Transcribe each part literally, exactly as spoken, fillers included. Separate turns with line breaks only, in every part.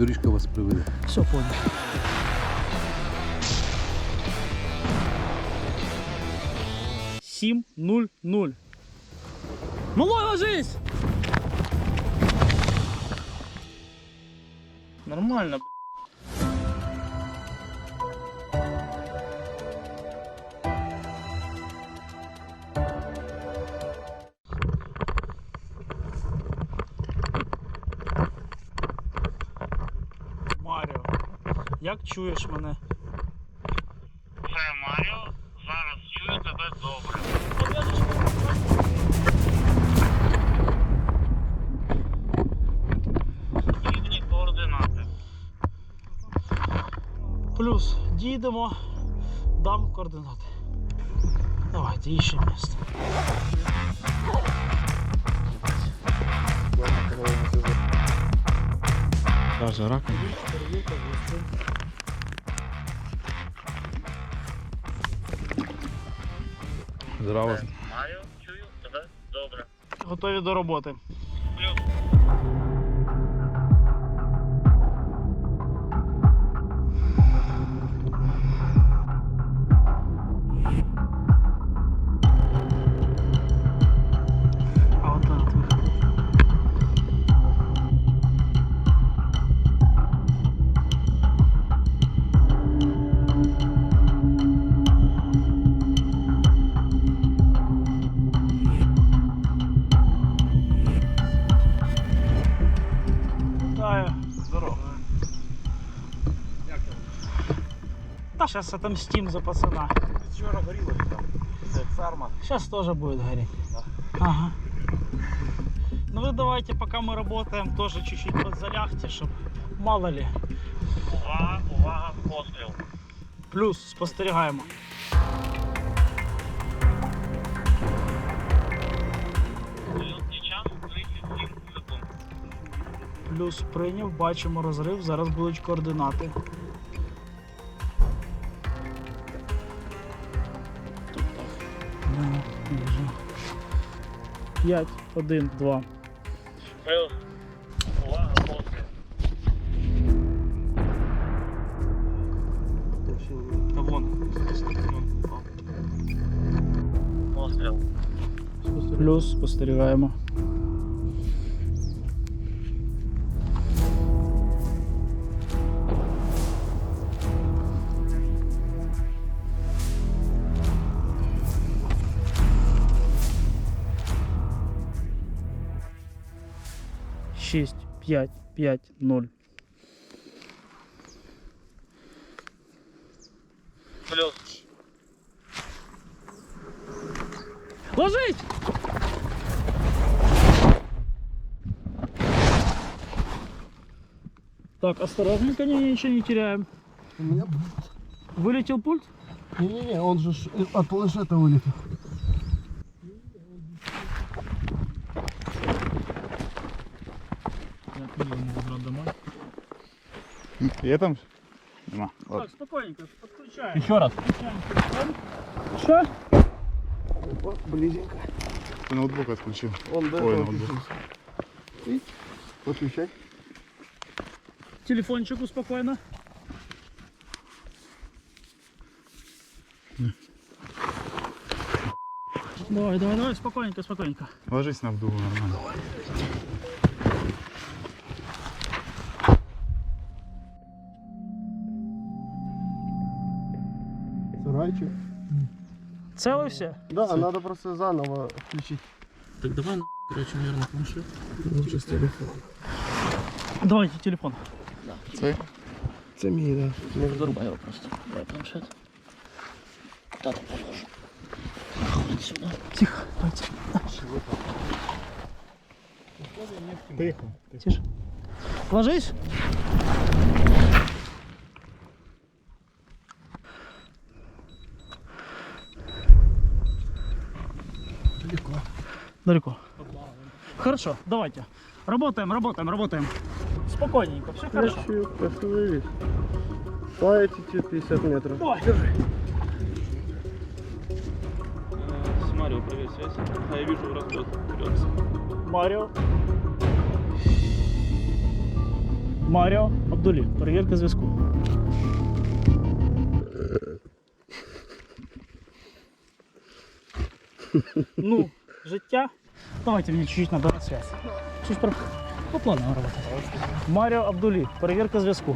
доріжка вас приведе.
Все, понял. Сім нуль нуль. Малой, ложись! Нормально, б***ь. Маріо, як чуєш мене?
Це Маріо, зараз чую тебе добре. Рівні координати.
Плюс, дійдемо, дам координати. Давайте, іще місце.
Даже раком. Здраво.
Це Маріо, чую тебе добре.
Готові до роботи.
Плюс.
А от так от. Вітаю. Здорово.
Як там?
Та зараз отомстим за пацана.
Вчора горіло там. Це ферма.
Сейчас тоже будет гореть.
Да.
Ага. Ну вы давайте, пока мы работаем, тоже чуть-чуть подзалягте, чтобы мало ли.
Увага, увага, постріл.
Плюс спостерігаємо.
Лютний час тридцять сім секунд.
Плюс прийняв, бачимо розрив, зараз будуть координати. Тут так. Ну, дуже. п'ять, один, два.
Плюс. Увага, постріл.
Та вон.
Постріл.
Плюс спостерігаємо. шість, п'ять, п'ять, ноль.
Плюс.
Ложись! Так, осторожненько, не, ничего не теряем.
У меня...
Вылетел пульт?
Не-не-не, он же ж от планшета вылетел.
Я не могу брать домой.
Є там? Нема.
Так, спокойненько, подключаем.
Еще раз.
Что?
Опа, близенько.
Ти ноутбук відключив.
Он до
Ой,
этого
ноутбук.
включился. Видите? Подключай.
Телефончику спокойно. Давай, давай, давай, спокойненько, спокойненько.
Ложись на вдугу нормально.
Сарайчик.
Целы все?
Да, надо просто заново включить.
Так давай, короче, наверное, планшет.
Лучше с телефона.
Давайте телефон.
Це?
Это мій, да. Может,
Зарубай его просто. Давай планшет. Куда ты положишь? Нахуй отсюда. Тихо, давайте.
Тихо.
Тише. Ложись.
далеко.
Далеко. Хорошо, давайте. Работаем, работаем, работаем. Спокойненько, все хорошо.
Остановись. По эти пятьдесят метров.
Давай, держи.
С Марио, привет, связь. А я вижу расход. Вперед.
Марио. Маріо Абдулі. Перевірка зв'язку. Ну, життя. Давайте мне чуть-чуть надо на связь. Чуть по, по плану работать. Маріо Абдулі. Перевірка зв'язку.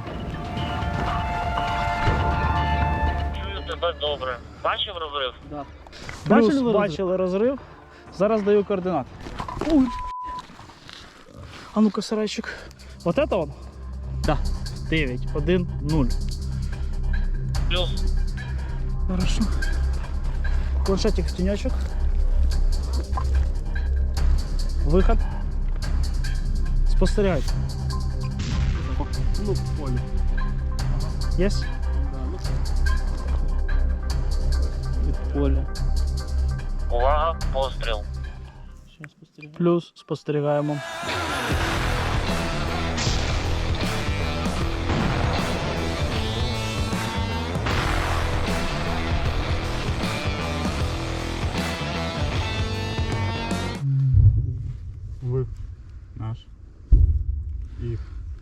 Чую тебе добре. Бачив розрив?
Да.
Бачили
Плюс
ви
бачили розрив. Зараз даю координати. Ой. А ну-ка, сарайчик. Вот это он? Да. дев'ять, один, нуль.
Плюс.
Хорошо. Планшетик в тенечек. Выход. Спостерігайте.
Ну, поле.
Есть?
Поле.
Увага, постріл.
Сейчас спостерігаємо.
Плюс спостерігаємо.
Ви. Наш. Їх.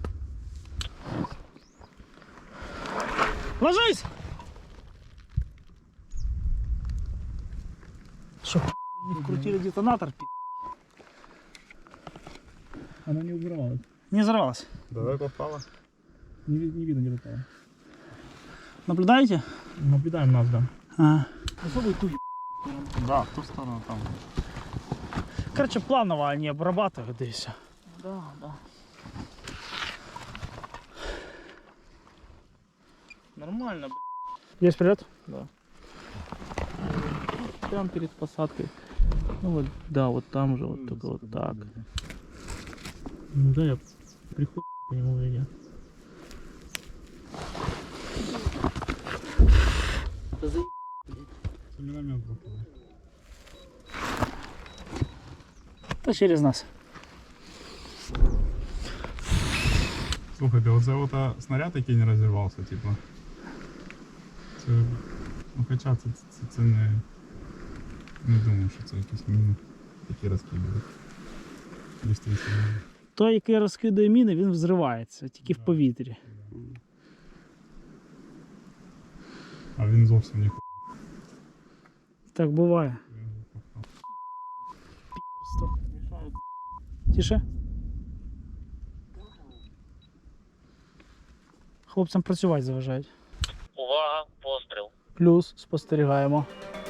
Ложись! Что, не вкрутили детонатор? пи***?
Она не взорвалась.
Не взорвалась.
Давай попала.
Не, ви- не видно, где попала.
Наблюдаете?
Наблюдаем нас, да.
А.
Особый туй.
Да, в ту сторону там.
Короче, планово они обрабатывают, да и все.
Да, да. Нормально, б***ь.
Есть прилет?
Прям перед посадкой. Ну вот, да, вот там же, вот только вот так. Ну да, я прихожу по нему или нет.
Це міномет попали.
Да через нас.
Слухайте, оце от а, снаряд, який не розірвався, типу. Це. Ну хоча це, це, це не. Не думаю, що це якісь міни, які розкидують. Дійсно.
Той, який розкидає міни, він взривається, тільки в повітрі.
А він зовсім не
Так буває. Тише. Хлопцям працювати заважають.
Увага, постріл.
Плюс спостерігаємо.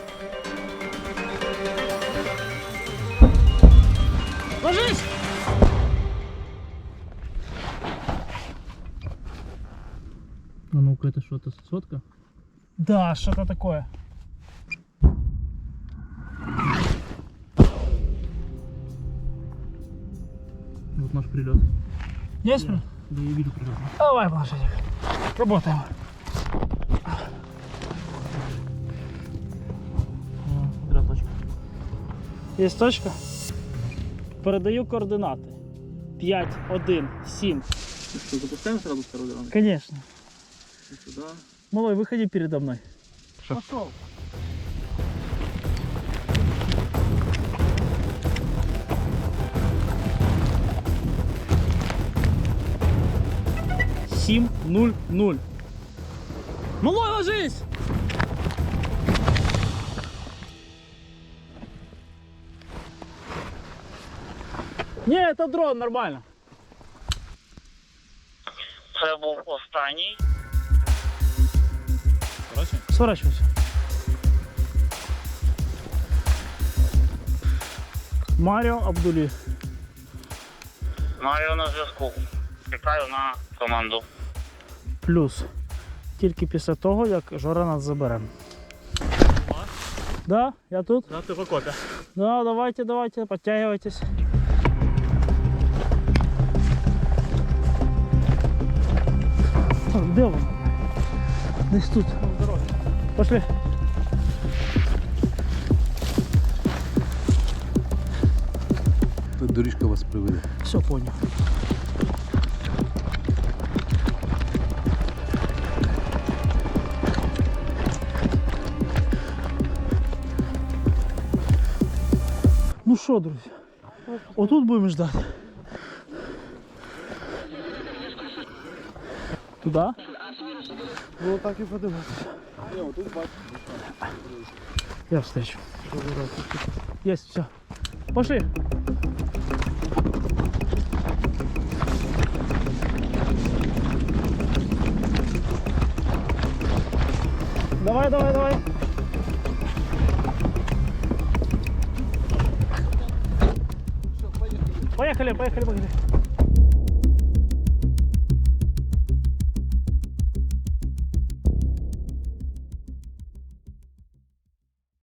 Ложись!
А ну-ка, это что-то сотка?
Да, что-то такое.
Вот наш прилет.
Есть?
Да, я вижу прилет.
Давай, планшетик. Работаем.
Смотря точка.
Есть точка? Передаю координаты. пять, один, семь.
Что, запускаем сразу второй раунд?
Конечно.
Сюда.
Малой, выходи передо мной.
Пошел.
семь, нуль, нуль. Малой, ложись! Не, это дрон, нормально.
Це був останній.
Сворачивайся. Маріо Абдулі.
Маріо на зв'язку. Чекаю на команду.
Плюс. Тільки після того, як Жора нас забере. Да, я тут.
Да, ты в окопе.
Да, давайте, давайте, подтягивайтесь. Так, де він? Десь тут. Пошли.
Доріжка вас приведе.
Все, понял. Ну що, друзі, отут будемо ждати. Туда?
Ну так і подивимося.
Я встречу. Есть, все. Пошли. Давай, давай, давай. Поехали, поехали, поехали.